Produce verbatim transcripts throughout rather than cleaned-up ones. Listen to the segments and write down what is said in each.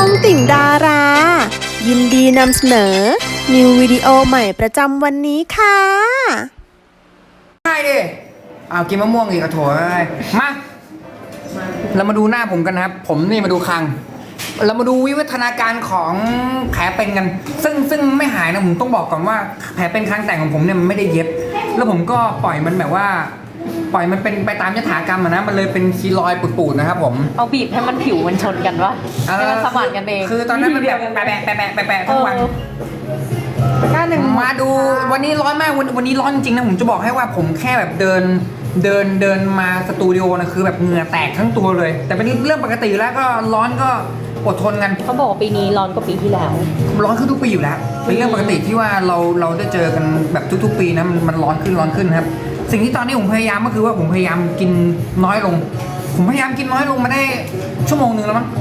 องติ่งดารา ยินดีนำเสนอ นิววิดีโอใหม่ประจำวันนี้ค่ะได้ดิเอากินมะม่วงอีกกระโถยมาเรามาดูหน้าผมกันนะครับ ผมนี่มาดูคางเรามาดูวิวัฒนาการของแผลเป็นกัน ซึ่งซึ่งไม่หายนะผมต้องบอกก่อนว่าแผลเป็นคางแต่งของผมเนี่ยมันไม่ได้เย็บ แล้วผมก็ปล่อยมันแบบว่า ปล่อยมันเป็นไปตามยถากรรมอะนะมันเลยเป็นคีลอยด์ปูดๆนะครับผมเอาบีบให้มันผิวมันชนกันวะให้มันสมานกันเองคือตอนนั้นมันแบบแปะแปะแปะแปะแปะแปะทั้งวันมาดูวันนี้ร้อนมากวันวันนี้ร้อนจริงๆนะผมจะบอกให้ว่าผมแค่แบบเดินเดินเดินมาสตูดิโอนะคือแบบเหงื่อแตกทั้งตัวเลย แต่เป็นเรื่องปกติแล้วก็ร้อนก็อดทนกันเขาบอกว่าปีนี้ร้อนกว่าปีที่แล้วร้อนขึ้นทุกปีอยู่แล้วเป็นเรื่องปกติที่ว่าเราเราได้เจอกันแบบทุกๆปีนะมันมันร้อนขึ้นร้อนขึ้นครับสิ่งที่ตอนนี้ผมพยายามก็คือว่าผมพยายามกินน้อยลงผมพยายามกินน้อยลงมาได้ชั่วโมงหนึ่งแล้วมั้ง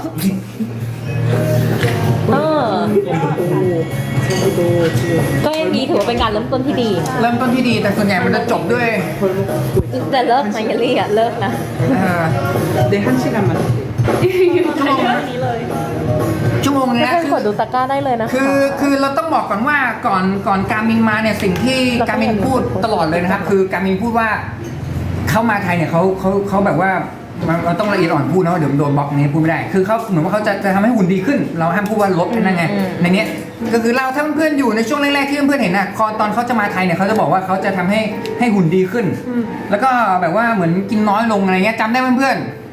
เออก็ยังดีถือว่าเป็นการเริ่มต้นที่ดีเริ่มต้นที่ดีแต่ส่วนใหญ่มันจะจบด้วยแต่เลิกนะเยลลี่อ่ะเลิกนะเดี๋ยวห้าชิกันมาชั่วโมงนึงนะคือกดดูตะกร้าได้เลยนะคะคือคือเราต้องบอกก่อนว่าก่อนก่อนการมินมาเนี่ยสิ่งที่การมินพูดตลอดเลยนะครับคือการมินพูดว่าเข้ามาไทยเนี่ยเขาเขาเขาแบบว่าเราต้องละเอียดอ่อนพูดนะเดี๋ยวโดนบล็อกนี้พูดไม่ได้คือเขาเหมือนว่าเขาจะจะทำให้หุ่นดีขึ้นเราห้ามพูดว่าลดนั่นไงในเนี้ยก็คือเราถ้าเพื่อนอยู่ในช่วงแรกๆที่เพื่อนเห็นน่ะตอนเขาจะมาไทยเนี่ยเขาจะบอกว่าเขาจะทำให้ให้หุ่นดีขึ้นแล้วก็แบบว่าเหมือนกินน้อยลงอะไรเงี้ยจำได้เพื่อน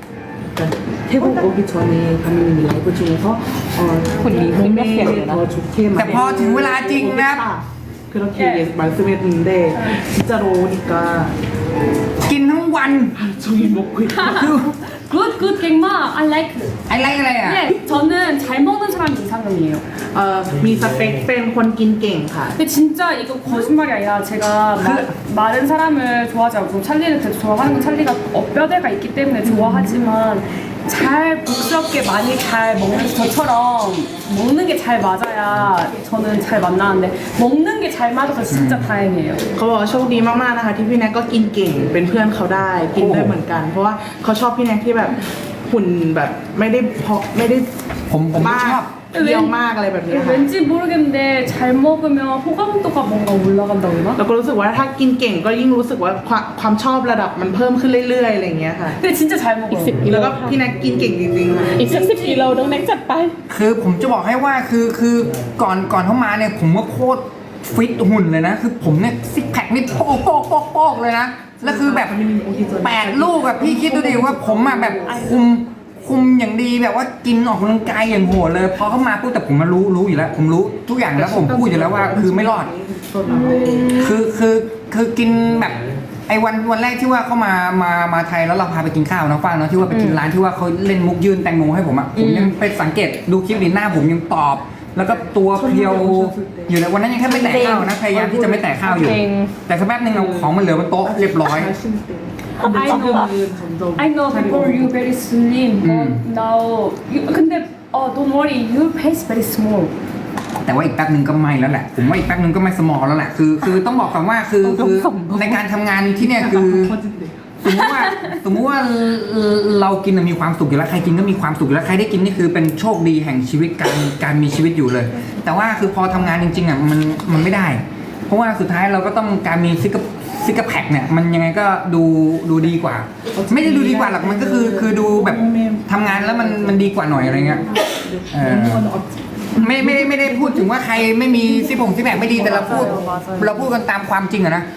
태국오기전에가민이라이브중에서어 หุ่นดีขึ้นก็เสียเลยนะแต่พอถึงเวลาจริงนะ 그렇게말씀했는데진짜로오니까 กินทั้งวัน 종일먹고있다 Good, good, 갱마. I like. I likeอะไรอ่ะ 네, 저는 잘 먹는 사람이 이상형이에요. เอ่อมีสเปคเป็นคนกินเก่งค่ะ 근데 진짜 이거 거짓말이 아니라 제가 마, 마른 사람을 좋아하지 않고 찰리를 되게 좋아하는 건 찰리가 어, 뼈대가 있기 때문에 좋아하지만 잘 복스럽게 많이 잘 먹는 저처럼 먹는 게 잘 맞아야 저는 잘 만나는데 먹는 게 잘 맞아서 진짜 다행이에요. เขาบอกว่าโชคดีมากๆนะคะที่พี่แน็กก็กินเก่งเป็นเพื่อนเขาได้กินได้เหมือนกันเพราะว่าเขาชอบพี่แน็กที่แบบหุ่นแบบไม่ได้เพาะไม่ได้ผมผมไม่ชอบเยี่ยวมากอะไรแบบนี้ค่ะ 왠지 모르겠는데 잘 먹으면 호감도가 뭔가 올라간다고 했나? เราก็รู้สึกว่าถ้ากินเก่งก็ยิ่งรู้สึกว่าความความชอบระดับมันพิ่มขึ้นเรื่อยๆอะไรอย่างเงี้ยค่ะ 근데 진짜 잘 먹어요. แล้วก็พี่แน็กกินเก่งจริงๆค่ะอีกสักสิบกิโลน้องแน็กจัดไปคือผมจะบอกให้ว่าคือคือก่อนก่อนเข้ามาเนี่ยผมว่าโคตรฟิตหุ่นเลยนะคือผมเนี่ยซิกแพคนี่โป๊กโป๊กโป๊กโป๊กเลยนะแล้วคือแบบแปดลูกอะพี่คิดดูดิว่าผมอะแบบคุมคุมอย่างดีแบบว่ากินออกกำลังกายอย่างโหดเลยพอเข้ามาปุ๊บแต่ผมมารู้รู้อยู่แล้วผมรู้ทุกอย่างแล้วผมพูดอยู่แล้วว่าคือไม่รอดคือคือคือกินแบบไอ้วันวันแรกที่ว่าเข้ามามามาไทยแล้วเราพาไปกินข้าวนะฟ้าเนาะที่ว่าไปกินร้านที่ว่าเขาเล่นมุกยืนแตงโมให้ผมอะผมยังไปสังเกตดูคลิปดิหน้าผมยังตอบแล้วก็ตัวเพรียวอยู่ในวันนั้นยังแค่ไม่แตะข้าวนะพยายามที่จะไม่แตะข้าวอยู่แต่สักแป๊บนึงเอาของมันเหลือบนโต๊ะเรียบร้อย I know, I know before you very slim, but now you, 근데 어, don't worry, your face very small. แต่ว่าอีกแป๊บนึงก็ไม่แล้วแหละผมว่าอีกแป๊บนึงก็ไม่สมอแล้วแหละคือคือต้องบอกก่อนว่าคือคือในการทำงานที่เนี่ยคือสมมติว่าสมมติว่าเรากินมีความสุขอยู่แล้วใครกินก็มีความสุขอยู่แล้วใครได้กินนี่คือเป็นโชคดีแห่งชีวิตการการมีชีวิตอยู่เลยแต่ว่าคือพอทำงานจริงๆอ่ะมันมันไม่ได้เพราะว่าสุดท้ายเราก็ต้องการมีซิกซิกแพคเนี่ยมันยังไงก็ดูดูดีกว่าไม่ได้ดูดีกว่าหรอกมันก็คือคือดูแบบทำงานแล้วมันมันดีกว่าหน่อยอะไรเงี้ยไม่ไม่ได้ไม่ได้พูดถึงว่าใครไม่มีซิกผงซิกแพคไม่ดีแต่เราพูดเราพูดกันตามความจริงอะนะ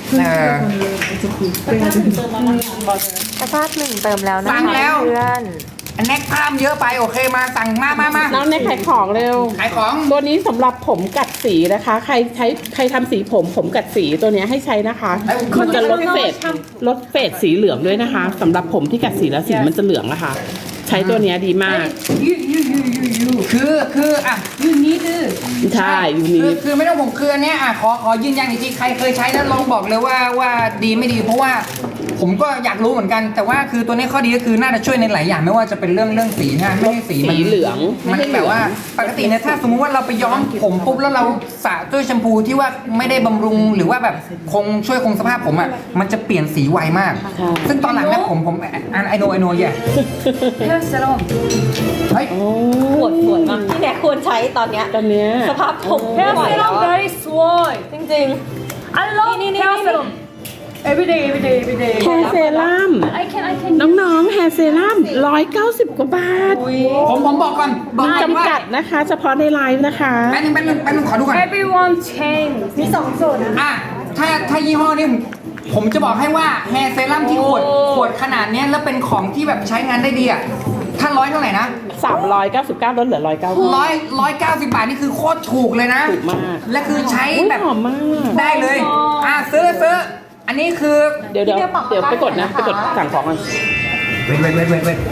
ตะกร้าหนึ่งเติมแล้วนะคะเพื่อนอันนี้กล้ามเยอะไปโอเคมาสั่งมามามาน้องในขายของเร็วขายของตัวนี้สำหรับผมกัดสีนะคะใครใช้ใครทำสีผมผมกัดสีตัวนี้ให้ใช้นะคะมันจะลดเฟดลดเฟดสีเหลืองด้วยนะคะสำหรับผมที่กัดสีแล้วสีมันจะเหลืองอะค่ะใช้ตัวนี้ดีมาก You, you, you, you, you. คือคืออ่ะ You need. ใช่อยู่นี้คือคือไม่ต้องผมคืออันเนี้ยอ่ะขอขอยืนยันอีกทีใครเคยใช้แล้วลองบอกเลยว่าว่าดีไม่ดีเพราะว่าผมก็อยากรู้เหมือนกัน แต่ว่าคือตัวนี้ข้อดีก็คือน่าจะช่วยในหลายอย่างไม่ว่าจะเป็นเรื่องเรื่องสีนะไม่ให้สีมันสีเหลืองมันแบบว่าปกติเนี่ยถ้าสมมุติว่าเราไปย้อมผมปุ๊บแล้วเราสระด้วยแชมพูที่ว่าไม่ได้บำรุงหรือว่าแบบคงช่วยคงสภาพผมอ่ะมันจะเปลี่ยนสีไวมาก ซึ่งตอนหลังเนี่ยผมผมไอโนไอโนเย่ 헤어 세럼 เฮ้ยโอ้ปวดสวยมากพี่แน็กควรใช้ตอนเนี้ยตอนเนี้ยสภาพผมไม่ 헤어 ไหวแล้ว 세럼 อะ very swell จริง I love 니, 니, 니, 헤어 니, 니. 세럼 everyday everyday everyday แฮร์เซรั่ม I can I can น้องๆแฮร์เซรั่มร้อยเก้าสิบกว่าบาทผมผมบอกก่อนบอกก่อนว่าจำกัดนะคะ เฉพาะในไลฟ์นะคะแป๊บนึงแป๊บนึงแป๊บนึงขอดูก่อน everyone change อ่ะถ้าถ้ายี่ห้อนี้ผมผมจะบอกให้ว่าแฮร์เซรั่มที่ขวดขวดขนาดเนี้ยแล้วเป็นของที่แบบใช้งานได้ดีอ่ะถ้าร้อยเท่าไหร่นะสามร้อยเก้าสิบเก้าลดเหลือร้อยเก้าสิบร้อยร้อยเก้าสิบบาทนี่คือโคตรถูกเลยนะถูกมากและคือใช้อุ๊ยแบบหอมมากได้เลย อ่ะซื้อซื้ออันนี้คือเดี๋ยวเดี๋ยวเดี๋ยวไปกดนะ ไปกดสั่งของกันเว้นเว้นเว้นเว้นเว้น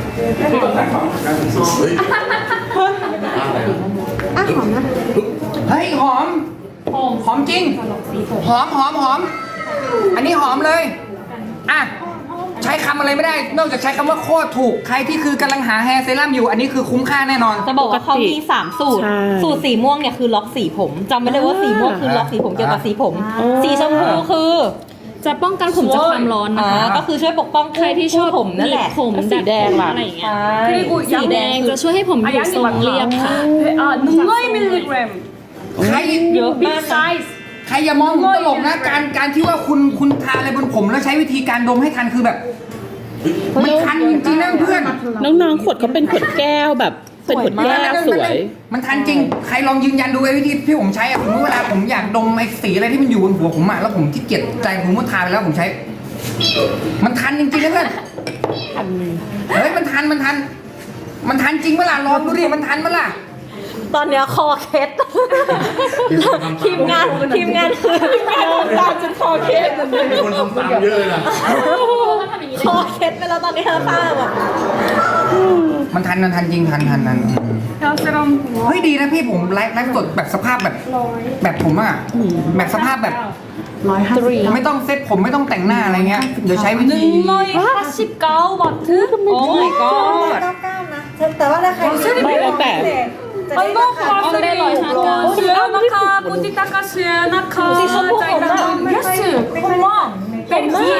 เฮ้ยหอม หอมจริง หอมหอมหอม อันนี้หอมเลย อ่ะ ใช้คำอะไรไม่ได้ นอกจากใช้คำว่าโคตรถูก ใครที่คือกำลังหาแฮร์เซรั่มอยู่ อันนี้คือคุ้มค่าแน่นอนๆ จะบอกว่าเขามีสามสูตรใช่สูตรสีม่วงเนี่ยคือล็อกสีผมจำไว้เลยว่าสีม่วงคือล็อกสีผมเกี่ยวกับสีผมอ่าสีชมพูคือจะป้องกันผมจากความร้อนนะอ่าคะก็คือช่วยปกป้องใครที่ชอบผมนั่นแหละผมแล้วสีแดงล่ะอะไรอย่างเงี้ยใช่ 그리고 สีแดงจะช่วยให้ผมอยู่ทรงเรียบค่ะ 아 능거이 밀리그램 ใครเยอะ 빅 มากนะ 사이즈 ใครอย่ามองผมตลกนะ การการที่ว่าคุณคุณทาอะไรบนผมแล้วใช้วิธีการดมให้ทันคือแบบ มันทันจริงๆนะเพื่อนน้องๆขวดเขาเป็นขวดแก้วแบบเป็นขวดแก้วสวยมันทันจริง ใครลองยืนยันดูไอ้วิธีที่ผมใช้อะผมเวลาผมอยากดมไอ้สีอะไรที่มันอยู่บนหัวผมอะแล้วผมที่เกียจใจผมก็ทาไปแล้วผมใช้ มันทันจริงๆนะเพื่อนเฮ้ยมันทันมันทัน มันทันจริงเมื่อล่ะลองดูดิมันทันเมื่อล่ะตอนเนี้ยคอเคล็ดทีมงานทีมงานคือทีมงานตามจนคอเคล็ดมีคนทำตามเยอะเลยนะคอเคล็ดไปแล้วตอนนี้เราทราบอ่ะมันทันมันทันจริงทันทันทัน 헤어 세럼 เฮ้ยดีนะพี่ผมไลฟ์ไลฟ์สดแบบสภาพแบบ แบบผมอะแบบสภาพแบบร้อยห้าสิบไม่ต้องเซ็ตผมไม่ต้องแต่งหน้าอะไรเงี้ยเดี๋ยวใช้วิธี 능거이 사십구 바트 오 마이 갓 แต่ว่าถ้าใครไม่แล้วแต่ 안동 바스리 시아나카 뽀티타카 시아나카 짜이나카 예스 홈마 베리 굿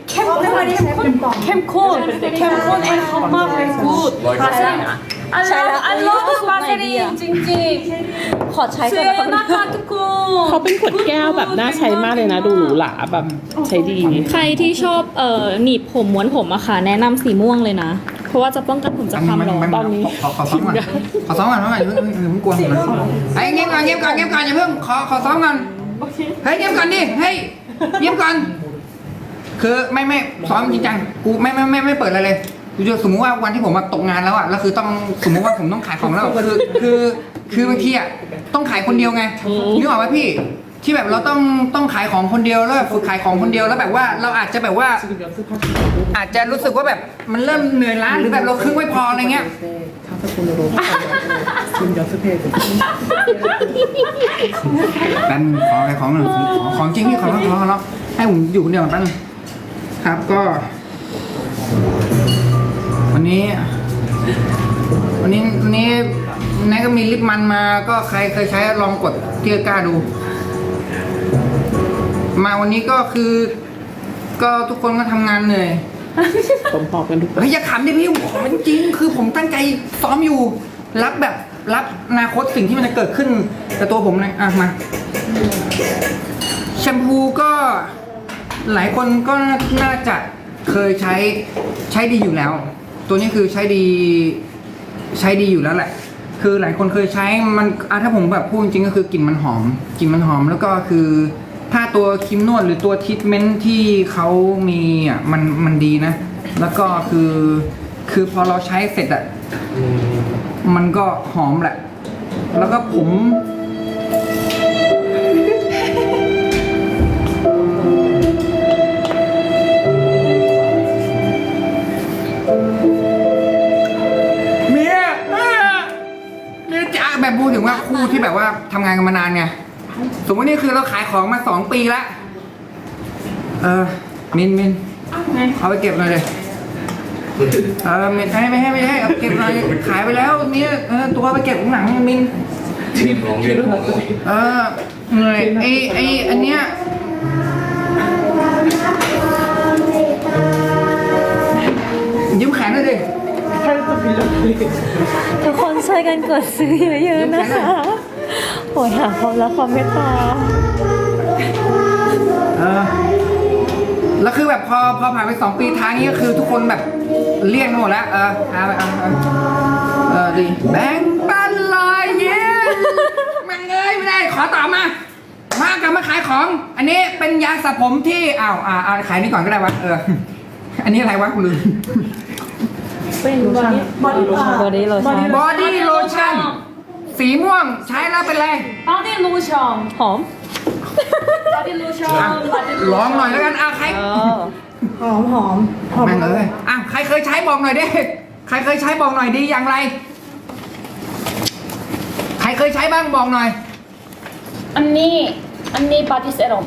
캠콘 캠콘 앤 홈마 베리 굿 바스리 I love I love 바스리 찡찡 ขอใช้ด้วยนะ 시아나카 투코 เขาเป็นขวดแก้วแบบน่าใช้มากเลยนะ ดูหรูหราแบบใช้ดีใครที่ชอบเอ่อหนีบผมม้วนผมอะค่ะแนะนำสีม่วงเลยนะ เพราะว่าจะป้องกันผมจากความร้อนตอนนี้ขอขอซ้อมก่อนขอซ้อมก่อนเพราะว่าอย่าเพิ่งอย่าเพิ่งกลัวผมนะไอ้เงียบก่อนเงียบก่อนเงียบก่อนอย่าเพิ่งขอขอซ้อมก่อนเฮ้ยเงียบก่อนดิเฮ้ยเงียบก่อนคือไม่ไม่ซ้อมจริงจังกูไม่ไม่ไม่ไม่เปิดอะไรเลยกูจะสมมติว่าวันที่ผมมาตกงานแล้วอ่ะแล้วคือต้องสมมติว่าผมต้องขายของแล้วคือคือคือบางทีอ่ะต้องขายคนเดียวไงนึกออกไหมพี่ที่แบบเราต้องต้องขายของคนเดียวแล้วแบบฝึกขายของคนเดียวแล้วแบบว่าเราอาจจะแบบว่า อาจจะรู้สึกว่าแบบมันเริ่มเหนื่อยล้าหรือแบบเราครึ่งไม่พออะไรเงี้ย แป๊บนึงขออะไรของหน่อยของของของจริงพี่ขอร้องขอร้องขอร้องให้ผมอยู่คนเดียวก่อนแป๊บนึงครับก็ วันนี้ วันนี้วันนี้นายก็มีลิปมันมาก็ใครเคยใช้ลองกดที่ตะกร้าดู มาวันนี้ก็คือ ก็ทุกคนก็ทำงานเหนื่อยผมพอกันทุกคนเฮ้ยอย่าขำดิพี่ผมมันจริงคือผมตั้งใจซ้อมอยู่ รับแบบรับอนาคตสิ่งที่มันจะเกิดขึ้นกับตัวผมเลยอ่ะมาแชมพูก็หลายคนก็น่าจะเคยใช้ใช้ดีอยู่แล้ว ตัวนี้คือใช้ดีใช้ดีอยู่แล้วแหละ คือหลายคนเคยใช้มันอ่ะถ้าผมแบบพูดจริงๆก็คือกลิ่นมันหอมกลิ่นมันหอมแล้วก็คือถ้าตัวครีมนวดหรือตัวทรีทเมนต์ที่เขามีอ่ะมันมันดีนะ แล้วก็คือคือพอเราใช้เสร็จอ่ะมันก็หอมแหละ แล้วก็ผมเมียเมียจะแบบพูดถึงว่าคู่ที่แบบว่าทำงานกันมานานไงสมมตินี่คือเราขายของมาสองปีละเออมินมินเอาไปเก็บหน่อยเลยเออไม่ให้ไม่ให้ไม่ให้เอาเก็บหน่อยขายไปแล้วเนี่ยเออตัวไปเก็บข้างหลังมินเออเหนื่อยไอไออันเนี้ยยืมแขนหน่อยดิทุกคนช่วยกันกดซื้อเยอะๆนะคะโอ้ยหาความรักความเมตตาเออแล้วคือแบบพอพอผ่านไปสองปีทางนี้ก็คือทุกคนแบบเลี่ยงกันหมดแล้วเออเอาไปเอาเอาเออดีแบ่งปันลอยเย้แม่งเอ้ยไม่ได้ขอต่อมา มากลับมาขายของ อันนี้เป็นยาสระผมที่อ้าวอ่าเอาขายนี่ก่อนก็ได้วะเอออันนี้อะไรวะกูลืมเป็นบอดี้บอดี้บอดี้โลชั่นบอดี้โลชั่นสีม่วงใช้แล้วเป็นไร 바디 로션 หอม 바디 로션 อ่ะ 바디 ลองหน่อยแล้วกันอ่ะใครหอมหอมแม่งเอ้ยอ่ะใครเคยใช้บอกหน่อยดิใครเคยใช้บอกหน่อยดีอย่างไร ใครเคยใช้บ้างบอกหน่อย 언니 언니 바디 세럼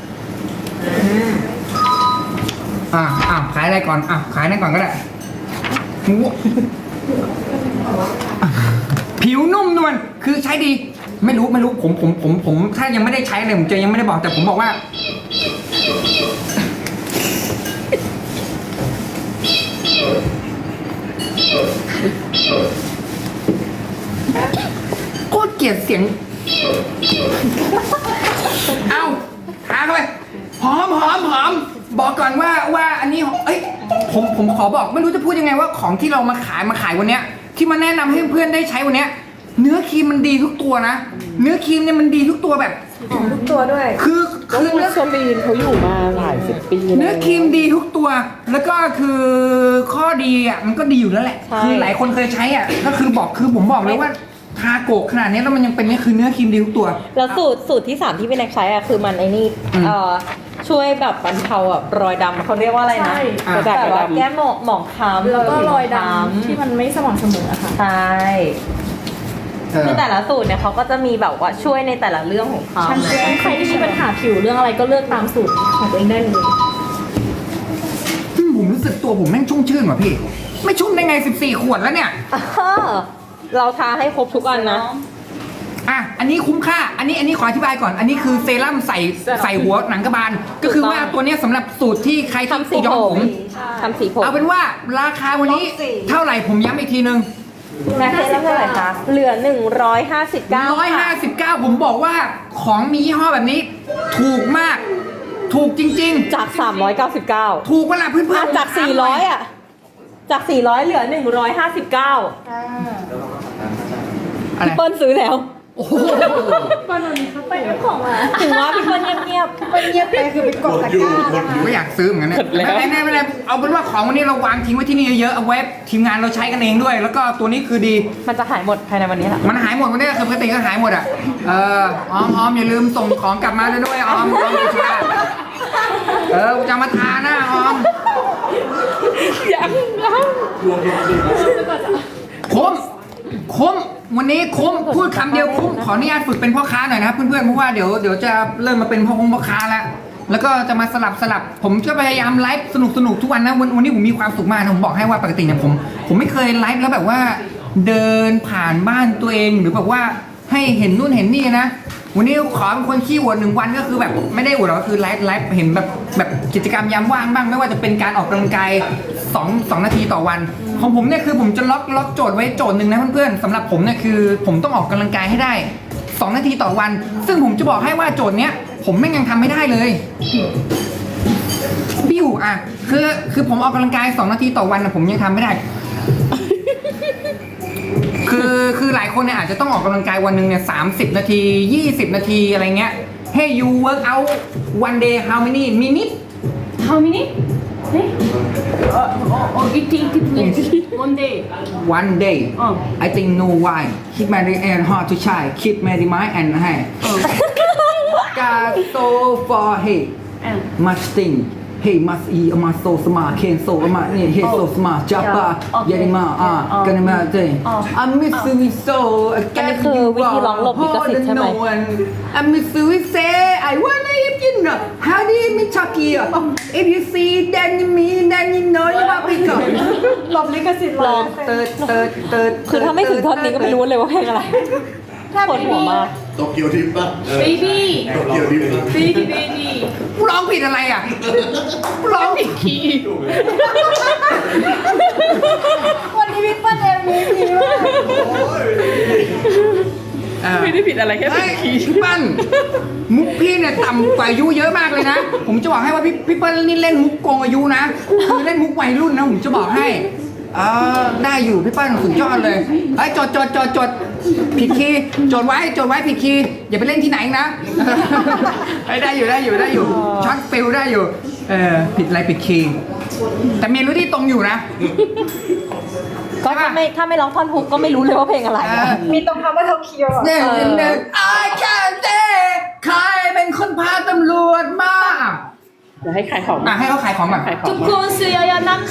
อ่ะอ่ะขายอะไรก่อนอ่ะขายนั่นก่อนก็ได้หูผิวนุ่มนวลคือใช้ดี ไม่รู้ไม่รู้ผมผมผมผมถ้ายังไม่ได้ใช้เลยผมจะยังไม่ได้บอกแต่ผมบอกว่าโคตรเกลียดเสียง เอาหาเข้าไปหอมหอมหอมบอกก่อนว่าว่าอันนี้เอ้ยผมผมขอบอกไม่รู้จะพูดยังไงว่าของที่เรามาขายมาขายวันเนี้ยที่มาแนะนำให้เพื่อนได้ใช้วันเนี้ยเนื้อครีมมันดีทุกตัวนะเนื้อครีมเนี่ยมันดีทุกตัวแบบทุกตัวด้วยคือก็คือวัเนื้อสลีนเขาอยู่มาหลายสิบปีเนื้อครีมดีทุกตัว แล้วก็คือข้อดีอ่ะมันก็ดีอยู่แล้วแหละใช่คือหลายคนเคยใช้อ่ะก็คือบอกคือผมบอกเลยว่าทาโกะขนาดนี้แล้วมันยังเป็นเนี่ยคือเนื้อครีมดีทุกตัวแล้วสูตรสูตรที่สามที่พี่แน็กใช้อ่ะคือมันไอ้นี่อืมเอ่อช่วยแบบบรรเทาแบบรอยดำเขาเรียกว่าอะไรนะใช่อ่าแบบว่าแก้หมองหมองคล้ำแล้วก็รอยดคล้ำที่มันไม่สม่ำเสมออะค่ะใช่เออคือแต่ละสูตรเนี่ยเขาก็จะมีแบบว่าช่วยในแต่ละเรื่องของเขาใครที่มีปัญหาผิวเรื่องอะไรก็เลือกตามสูตรของตัวเองได้เลยอืมผมรู้สึกตัวผมแม่งชุ่มชื่นว่ะพี่ ไม่ชุ่มได้ไงสิบสี่ขวดแล้วเนี่ยอ้าวเราทาให้ครบทุกอันนะอ่ะ อันนี้คุ้มค่า อันนี้ อันนี้ขออธิบายก่อน อันนี้คือเซรั่มใส่ใส่หัวหนังกระบาล ก็คือว่าตัวเนี้ยสำหรับสูตรที่ใครทำสีที่ย้อมผผม มทำสีผมเอาเป็นว่าราคาวันนี้เท่าไหร่ผมย้ำอีกทีนึงแม็กซ์เท่าไหร่คะเหลือหนึ่งร้อยห้าสิบเก้าร้อยห้าสิบเก้าผมบอกว่าของมียี่ห้อแบบนี้ ถูกมาก ถูกจริงจากสามร้อยเก้าสิบเก้าๆ ถูกเวลาเพื่อนๆจากสี่ร้อยอ่ะจากสี่ร้อยเหลือหนึ่งร้อยห้าสิบเก้าอะไรพี่เปิ้ลซื้อแล้วโอ้โหไปเอาของมาถึงว่าพี่เปิ้ลเงียบๆพี่เปิ้ลเงียบไปคือไปกดตะกร้านะคะไม่อยากซื้อเหมือนกันเนี่ยไม่เป็นไรไม่เป็นไรเอาเป็นว่าของวันนี้เราวางทิ้งไว้ที่นี่เยอะๆเอาไว้ทีมงานเราใช้กันเองด้วย แล้วก็ตัวนี้คือดีมันจะหายหมดภายในวันนี้แหละมันหายหมดวันนี้คือปกติก็หายหมดอ่ะ เออออมออมอย่าลืมส่งของกลับมาด้วยด้วยออมออมกูชาเออกูจะมาทาหน้าออมยังยังคุ้มคุ้มวันนี้คุ้มพูดคำเดียวคุ้มขออนุญาตฝึกเป็นพ่อค้าหน่อยนะครับเพื่อนๆเพราะว่าเดี๋ยวเดี๋ยวจะเริ่มมาเป็นพ่อคงพ่อค้าแล้วแล้วก็จะมาสลับสลับผมก็พยายามไลฟ์สนุกสนุกทุกวันนะวันวันนี้ผมมีความสุขมากนะผมบอกให้ว่าปกติเนี่ยผม ผมไม่เคยไลฟ์แล้วแบบว่า เดินผ่านบ้านตัวเองหรือแบบว่าให้เห็นนู่นเห็นนี่นะ วันนี้ขอเป็นคนขี้อวดหนึ่งวันก็คือแบบไม่ได้อวดหรอกก็คือไลฟ์ไลฟ์เห็นแบบแบบกิจกรรมยามว่างบ้างไม่ว่าจะเป็นการออกกำลังกายสองสองนาทีต่อวัน ของผมเนี่ยคือผมจะล็อกล็อกโจทย์ไว้โจทย์หนึ่งนะเพื่อนๆสำหรับผมเนี่ยคือผมต้องออกกำลังกายให้ได้สองนาทีต่อวัน ซึ่งผมจะบอกให้ว่าโจทย์เนี้ยผมแม่งยังทำไม่ได้เลยบิ้วอ่ะคือคือผมออกกำลังกายสองนาทีต่อวันนะผมยังทำไม่ได้ คือคือหลายคนเนี่ยอาจจะต้องออกกำลังกายวันหนึ่งเนี่ยสามสิบนาทียี่สิบนาทีอะไรเงี้ย Hey you work out one day how many minutes How many? 네? 어, 어, 어, it, it, it, one day. one day 어. I think no why keep my and hard to try keep my mind and hey got so for hey And much thing hey must eat my so smart can so my hey so smart japa Okay. yarima ah Oh. gonna my day Oh. I miss you so อันนี้คือวิธีร้องหลบลิขสิทธิ์ใช่ไหม I miss you say I wanna eat you know how do you mean Chucky if you see then you mean then you know you are big หลบลิขสิทธิ์ลองเติร์ดเติร์ดเติร์ดคือถ้าไม่ถึงท่อนนี้ก็ไม่รู้เลยว่าเพลงอะไรปวดหัวมากโตเกียวทิปป่ะเบบี้โตเกียวทิปเบบี้เบบี้กูร้องผิดอะไรอ่ะกูร้องผิดคีย์วันนี้พี่เปิ้ลเอ็มวีพีมากไม่ได้ผิดอะไรแค่ผิเฮ้ดยคีย์พี่เปิ้ลมุกพี่เนี่ยต่ำกว่าอายุเยอะมากเลยนะ ผมจะบอกให้ว่าพี่พี่เปิ้ลนี่เล่นมุกโกงอายุนะคือเล่นมุกวัยรุ่นนะผมจะบอกให้เออได้อยู่พี่เปิ้ลสุดยอดเลยไอ้ยจดจดจดจดผิดคีย์จดไว้จดไว้ผิดคีย์อย่าไปเล่นที่ไหนนะ ไอ้ยได้อยู่ได้อยู่ได้อยู่ช็อตฟิลได้อยู่เออผิดอะไรผิดคีย์แต่เมโลดี้ตรงอยู่นะก็ถ้าไม่ถ้าไม่ร้องท่อนฮุกก็ไม่รู้เลยว่าเพลงอะไรเออะอมีตรงคำว่าโตเกียวอ่ะเนี่ยเนี่ย I can't say ใครเป็นคนพาตำรวจมาเดี๋ยวให้ขายของอ่ะให้เขาขายของก่อนขายของทุกคนซื้อเยอะๆนะคะ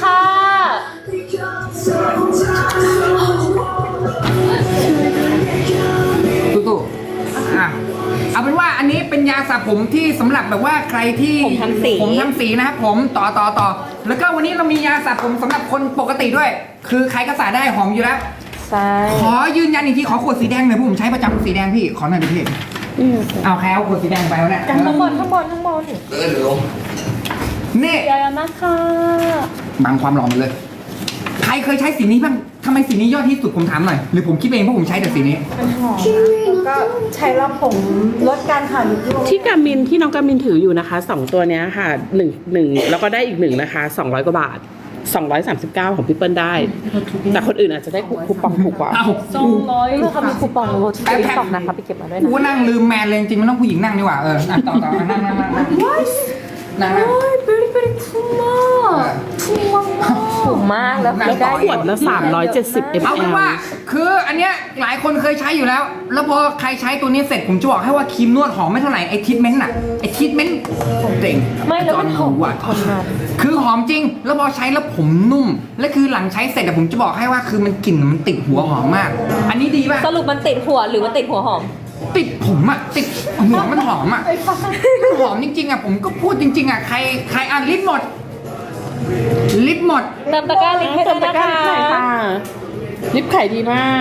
ตู้ๆอ่ะเอาเป็นว่าอันนี้เป็นยาสระผมที่สำหรับแบบว่าใครที่ผมทำสีผมทำสีนะครับผมต่อต่อต่อแล้วก็วันนี้เรามียาสระผมสำหรับคนปกติด้วย คือใครก็สระได้หอมอยู่แล้วใช่ขอยืนยันอีกทีขอขวดสีแดงหน่อยเพราะผมใช้ประจำสีแดงพี่ขอหน่อยดิพี่เอาใครเอาขวดสีแดงไปวะเนี่ยข้างบนข้างบนข้างบนเออเดี๋ยวลงนี่เยอะๆนะคะบังความหล่อมันเลย ใครเคยใช้สีนี้บ้างทำไมสีนี้ยอดที่สุดผมถามหน่อย หรือผมคิดเองเพราะผมใช้แต่สีนี้มันหอมนะแล้วก็ใช้แล้วผมลดการขาดยุบลงที่กามินที่น้องกามินถืออยู่นะคะสองตัวเนี้ยค่ะหนึ่งหนึ่งแล้วก็ได้อีกหนึ่งนะคะสองร้อยกว่าบาทสองร้อยสามสิบเก้าของพี่เปิ้ลได้ แต่คนอื่นอาจจะได้คูปองถูกกว่าเอ้าสองร้อยเพื่อเขามีคูปองโลที่ติ๊กต็อกนะคะไปเก็บมาด้วยกูนะก็นั่งลืมแมนเลยจริงๆมันต้องผู้หญิงนั่งดีกว่าเอออ่ะต่อต่ออ่ะนั่งนั่งนั่งนั่งนั่งนั่งโอ้ยเบรี่เบรี่ทุ่มมากทุ่มมากมากถูกมากแล้วนั่งคือได้ขวดละสามร้อยเจ็ดสิบเอาเป็น ml ว่าคืออันเนี้ยหลายคนเคยใช้อยู่แล้ว แล้วพอใครใช้ตัวนี้เสร็จผมจะบอกให้ว่าครีมนวดหอมไม่เท่าไหร่ไอ้ทรีทเมนต์น่ะไอ้ทรีทเมนต์เจ๋งไม่แล้วมันหอมว่ะทนนานคือหอมจริง แล้วพอใช้แล้วผมนุ่ม และคือหลังใช้เสร็จอะผมจะบอกให้ว่าคือมันกลิ่นมันติดหัวหอมมาก อันนี้ดีป่ะสรุปมันติดหัวหรือมันติดหัวหอมติดผมอะติดหัวมันหอมอะมันหอมจริงๆอะผมก็พูดจริงๆอะใครใครอ่ะลิปหมด ลิปหมดเติมตะกร้าลิงก์ให้ด้วยนะคะลิปขายดีมาก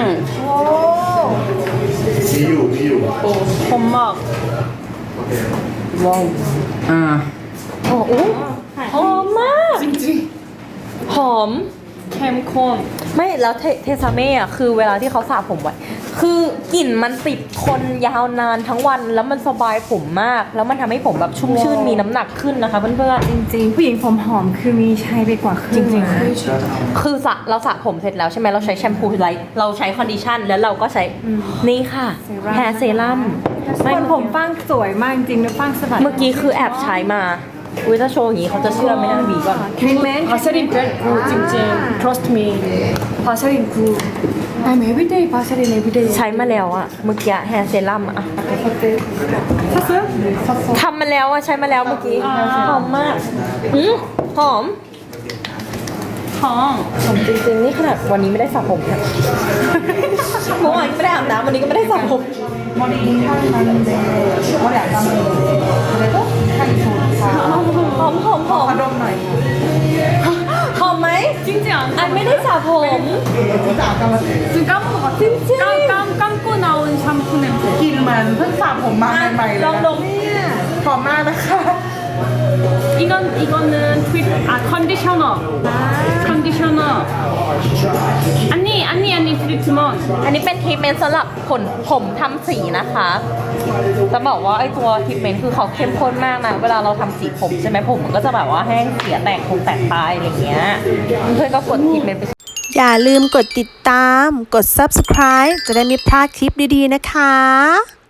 มีอยู่มีอยู่ผมบอกอ่าโอ้โหหอมมากจริงๆหอมเข้มข้นไม่แล้วเทเทซาเม่อะคือเวลาที่เขาสระผมไว้คือกลิ่นมันติดทนยาวนานทั้งวันแล้วมันสบายผมมาก แล้วมันทำให้ผมแบบชุ่มชื่นมีน้ำหนักขึ้นนะคะเพื่อนจริงๆ ผู้หญิงผมหอมคือมีใช้ไปกว่าครึ่งนะๆคือสระเราสระผมเสร็จแล้วใช่ไหมเราใช้แชมพูไลท์เราใช้คอนดิชั่นแล้วเราก็ใช้นี่ค่ะแฮร์เซรั่มส่วนผมฟังสวยมากจริงๆนะฟังสะบัดเมื่อกี้คือแอบใช้มาอุ้ยถ้าโชว์อย่างนี้เขาจะเชื่อไหมนะบีก่อน treatment 바세린 very goodจริงๆ trust me 바세린 good I'm everyday 바세린 everyday ใช้มาแล้วอะเมื่อกี้แฮร์เซรั่มอะ 샀어요? ทำมาแล้วอะใช้มาแล้วเมื่อกี้หอมมากอืมหอมหอมหอมจริงๆนี่ขนาดวันนี้ไม่ได้สระผมค่ะ เมื่อวานก็ไม่ได้อาบน้ำวันนี้ก็ไม่ได้สระผม 머리 하는데 머리 안 감는 그래도 하기 좋다. หอมหอมหอม 가볍 나이. หอมไหม 찡찡 안 อันไม่ได้สระผม 진짜 안 감았어요. 지금 까먹은 것 같아 찡찡. 깜, 깜, 감고 나온 샴푸 냄새 길만 흑사 봄만 ล 말이래. องดม 봄만 나가. 이건 이거는 트윗 아 컨디셔너 컨디셔너 아니 아니 아니 트리트먼트 อันนี้เป็นทรีทเมนต์สำหรับขนผมทำสีนะคะ จะบอกว่าไอตัวทรีทเมนต์คือเขาเข้มข้นมากนะ เวลาเราทำสีผมใช่ไหมผมมันก็จะแบบว่าแห้งเสียแตกคงแตกตายอะไรเงี้ย เพื่อนก็กดทรีทเมนต์ไปอย่าลืมกดติดตาม กด ซับสไครบ์ จะได้ไม่พลาดคลิปดีๆนะคะ